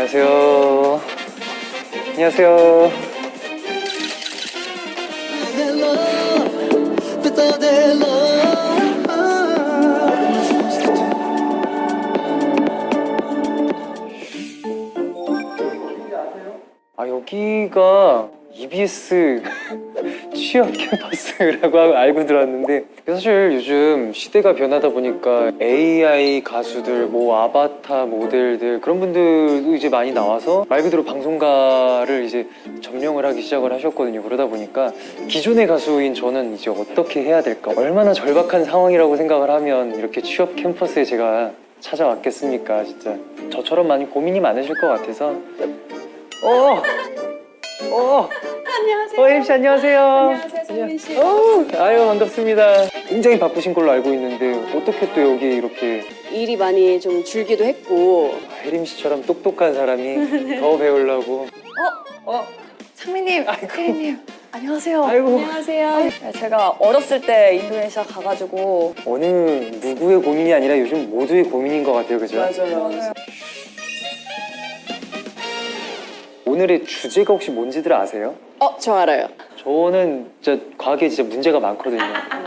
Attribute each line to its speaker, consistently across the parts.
Speaker 1: 안녕하세요. 안녕하세요. 아, 여기가 EBS 취업 캠퍼스라고 알고 들었는데, 사실 요즘 시대가 변하다 보니까 AI 가수들, 뭐 아바타 모델들 그런 분들도 이제 많이 나와서 말 그대로 방송가를 이제 점령을 하기 시작을 하셨거든요. 그러다 보니까 기존의 가수인 저는 이제 어떻게 해야 될까, 얼마나 절박한 상황이라고 생각을 하면 이렇게 취업 캠퍼스에 제가 찾아왔겠습니까. 진짜 저처럼 많이 고민이 많으실 것 같아서.
Speaker 2: 안녕하세요.
Speaker 1: 혜림 씨 안녕하세요.
Speaker 2: 안녕하세요, 성민 씨.
Speaker 1: 아유, 반갑습니다. 굉장히 바쁘신 걸로 알고 있는데 어떻게 또 여기 이렇게
Speaker 2: 일이 많이 좀 줄기도 했고.
Speaker 1: 혜림 씨처럼 똑똑한 사람이 더 배우려고.
Speaker 3: 상민님, 혜리님, 안녕하세요.
Speaker 1: 아이고,
Speaker 2: 안녕하세요.
Speaker 3: 네, 제가 어렸을 때 인도네시아 가가지고
Speaker 1: 어느 누구의 고민이 아니라 요즘 모두의 고민인 것 같아요, 그죠?
Speaker 2: 맞아요.
Speaker 1: 오늘의 주제가 혹시 뭔지들 아세요?
Speaker 2: 저 알아요.
Speaker 1: 저는 진짜 과학에 진짜 문제가 많거든요.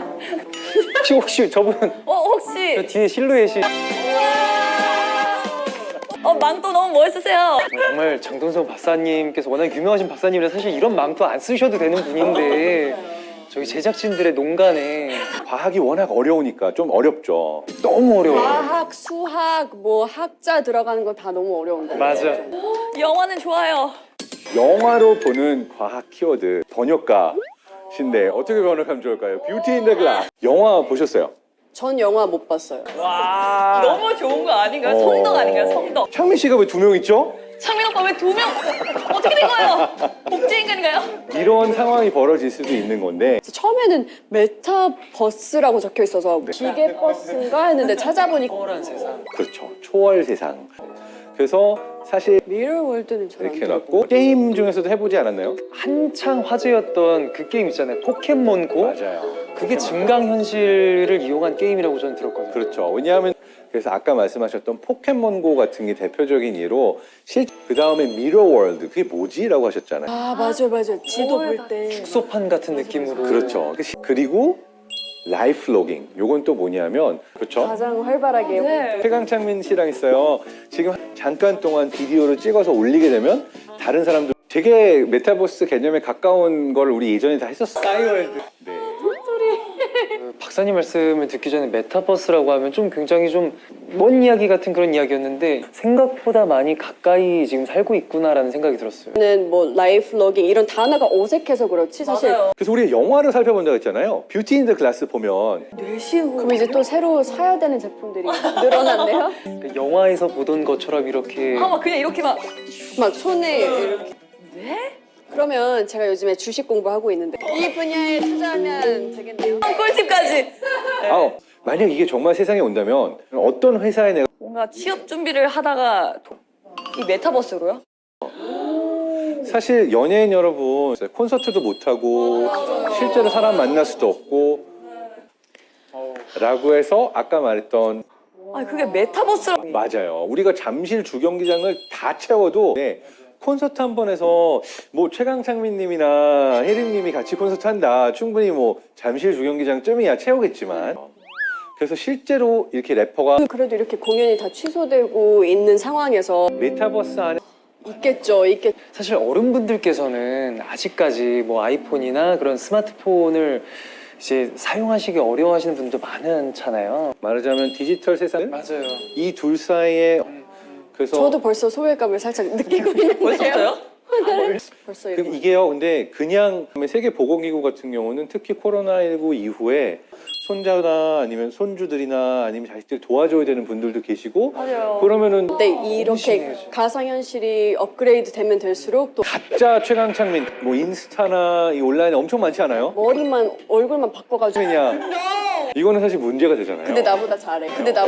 Speaker 1: 혹시 저분 저
Speaker 3: 혹시
Speaker 1: 뒤에 실루엣이
Speaker 3: 망토 너무 멋있으세요.
Speaker 1: 정말 장동석 박사님께서 워낙 유명하신 박사님이라 사실 이런 망토 안 쓰셔도 되는 분인데 저희 제작진들의 농간에
Speaker 4: 과학이 워낙 어려우니까 좀 어렵죠.
Speaker 1: 너무 어려워요.
Speaker 2: 과학, 수학, 뭐 학자 들어가는 거 다 너무 어려운 거.
Speaker 1: 맞아.
Speaker 3: 영화는 좋아요.
Speaker 4: 영화로 보는 과학 키워드 번역가신데 어떻게 번역하면 좋을까요? 뷰티 인 더 글라스. 영화 보셨어요?
Speaker 2: 전 영화 못 봤어요.
Speaker 3: 너무 좋은 거 아닌가요? 성덕 아닌가요? 성덕.
Speaker 4: 창민 씨가 왜 2명 있죠?
Speaker 3: 창민 오빠 왜 2명? 어떻게 된 거예요? 복제인간인가요?
Speaker 4: 이런 상황이 벌어질 수도 있는 건데
Speaker 2: 처음에는 메타버스라고 적혀 있어서 기계 버스인가 했는데 찾아보니까
Speaker 1: 초월한 세상.
Speaker 4: 그렇죠. 초월 세상. 그래서 사실
Speaker 2: 미러 월드는 잘안
Speaker 4: 이렇게 해놨고 게임 중에서도 해보지 않았나요?
Speaker 1: 한창 화제였던 그 게임 있잖아요. 포켓몬고.
Speaker 4: 맞아요.
Speaker 1: 그게 증강현실을 이용한 게임이라고 저는 들었거든요.
Speaker 4: 그렇죠. 왜냐하면 그래서 아까 말씀하셨던 포켓몬고 같은 게 대표적인 예로 그 다음에 미러 월드 그게 뭐지라고 하셨잖아요.
Speaker 2: 맞아요. 지도 볼 때.
Speaker 1: 축소판 같은 느낌으로.
Speaker 4: 그렇죠. 그리고 라이프 로깅. 요건 또 뭐냐면 그렇죠.
Speaker 2: 가장 활발하게.
Speaker 3: 네.
Speaker 4: 최강창민 씨랑 있어요. 지금 잠깐 동안 비디오를 찍어서 올리게 되면 다른 사람들 되게 메타버스 개념에 가까운 걸 우리 예전에 다 했었어요. 싸이월드. 네.
Speaker 1: 그 박사님 말씀을 듣기 전에 메타버스라고 하면 좀 굉장히 좀 먼 이야기 같은 그런 이야기였는데 생각보다 많이 가까이 지금 살고 있구나라는 생각이 들었어요.
Speaker 2: 는 뭐 라이프 로깅 이런 단어가 어색해서 그렇지 사실.
Speaker 3: 맞아요.
Speaker 4: 그래서 우리가 영화를 살펴본다고 했잖아요. 뷰티 인 더 글라스 보면
Speaker 2: 그럼 이제 또 새로 사야 되는 제품들이 늘어났네요.
Speaker 1: 그 영화에서 보던 것처럼 이렇게
Speaker 3: 막 그냥 이렇게 막
Speaker 2: 막 손에 이렇게. 네? 그러면 제가 요즘에 주식 공부하고 있는데 이 분야에 투자하면 되겠네요.
Speaker 3: 꿀팁까지.
Speaker 4: 만약 이게 정말 세상에 온다면 어떤 회사에 내가
Speaker 3: 뭔가 취업 준비를 하다가 이 메타버스로요?
Speaker 4: 사실 연예인 여러분 콘서트도 못하고 실제로 사람 만날 수도 없고 라고 해서 아까 말했던
Speaker 3: 그게 메타버스라고.
Speaker 4: 맞아요. 우리가 잠실 주경기장을 다 채워도 콘서트 한 번 해서 뭐 최강창민님이나 혜림님이 같이 콘서트 한다. 충분히 뭐 잠실 주경기장쯤이야 채우겠지만 그래서 실제로 이렇게 래퍼가
Speaker 2: 그래도 이렇게 공연이 다 취소되고 있는 상황에서
Speaker 4: 메타버스 안에
Speaker 2: 있겠죠.
Speaker 1: 사실 어른분들께서는 아직까지 뭐 아이폰이나 그런 스마트폰을 이제 사용하시기 어려워하시는 분도 많잖아요.
Speaker 4: 말하자면 디지털 세상
Speaker 1: 맞아요.
Speaker 4: 이 둘 사이에 그래서
Speaker 2: 저도 벌써 소외감을 살짝 느끼고 있는데요.
Speaker 3: 벌써요?
Speaker 2: 벌써
Speaker 4: 그
Speaker 2: 이거.
Speaker 4: 이게요. 근데 그냥 세계보건기구 같은 경우는 특히 코로나19 이후에 손자나 아니면 손주들이나 아니면 자식들 도와줘야 되는 분들도 계시고
Speaker 3: 맞아요.
Speaker 4: 그러면은
Speaker 2: 근데 이렇게
Speaker 1: 심해져.
Speaker 2: 가상현실이 업그레이드 되면 될수록 또
Speaker 4: 가짜 최강창민 뭐 인스타나 이 온라인에 엄청 많지 않아요?
Speaker 2: 머리만 얼굴만 바꿔가지고
Speaker 4: 그냥 이거는 사실 문제가 되잖아요.
Speaker 2: 근데 나보다 잘해.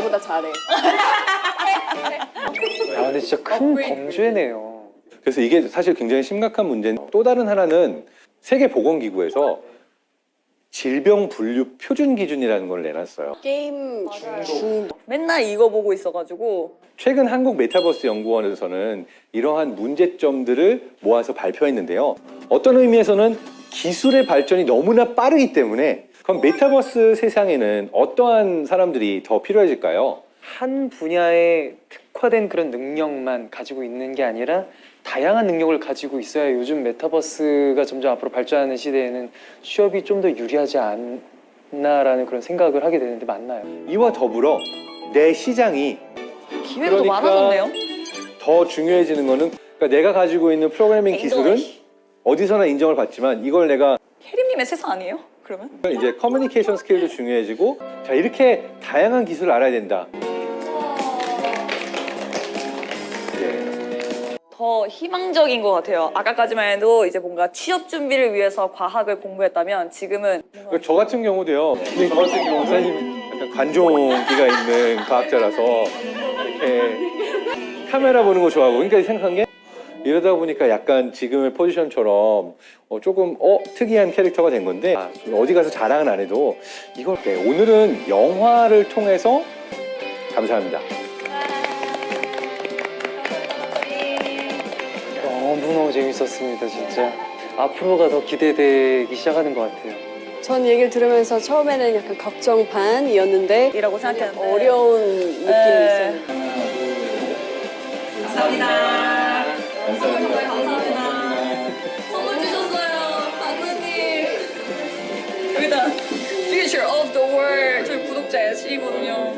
Speaker 1: 아, 근데 진짜 큰 범죄네요.
Speaker 4: 그래서 이게 사실 굉장히 심각한 문제인데 또 다른 하나는 세계보건기구에서 질병 분류 표준 기준이라는 걸 내놨어요.
Speaker 2: 게임 중독.
Speaker 3: 맨날 이거 보고 있어가지고
Speaker 4: 최근 한국 메타버스 연구원에서는 이러한 문제점들을 모아서 발표했는데요. 어떤 의미에서는 기술의 발전이 너무나 빠르기 때문에 그럼 메타버스 세상에는 어떠한 사람들이 더 필요해질까요?
Speaker 1: 한 분야에 특화된 그런 능력만 가지고 있는 게 아니라 다양한 능력을 가지고 있어야 요즘 메타버스가 점점 앞으로 발전하는 시대에는 취업이 좀 더 유리하지 않나라는 그런 생각을 하게 되는데 맞나요?
Speaker 4: 이와 더불어 내 시장이
Speaker 3: 기회가 더
Speaker 4: 그러니까
Speaker 3: 많아졌네요.
Speaker 4: 더 중요해지는 거는 그러니까 내가 가지고 있는 프로그래밍 기술은 어디서나 인정을 받지만 이걸 내가
Speaker 3: 혜림님의 세상 아니에요? 그러면?
Speaker 4: 이제 커뮤니케이션 스킬도 중요해지고 자 이렇게 다양한 기술을 알아야 된다.
Speaker 3: 더 희망적인 것 같아요. 아까까지만 해도 이제 뭔가 취업 준비를 위해서 과학을 공부했다면 지금은
Speaker 4: 그저 같은 경우도요. 저 같은 경우 사실 약간 관종기가 있는 과학자라서 이렇게 카메라 보는 거 좋아하고 그러니까 생각한 게 이러다 보니까 약간 지금의 포지션처럼 조금 특이한 캐릭터가 된 건데 어디 가서 자랑은 안 해도 이걸 오늘은 영화를 통해서 감사합니다.
Speaker 1: 너무너무 재밌었습니다, 진짜. 앞으로가 더 기대되기 시작하는 것 같아요.
Speaker 2: 전 얘기를 들으면서 처음에는 약간 걱정 반이었는데
Speaker 3: 이라고 생각했는데
Speaker 2: 어려운 느낌이
Speaker 3: 네.
Speaker 2: 있어요.
Speaker 3: 감사합니다. 정말 감사합니다. 선물 주셨어요, 박사님. 여기다 Future of the World 저희 구독자 애시거든요.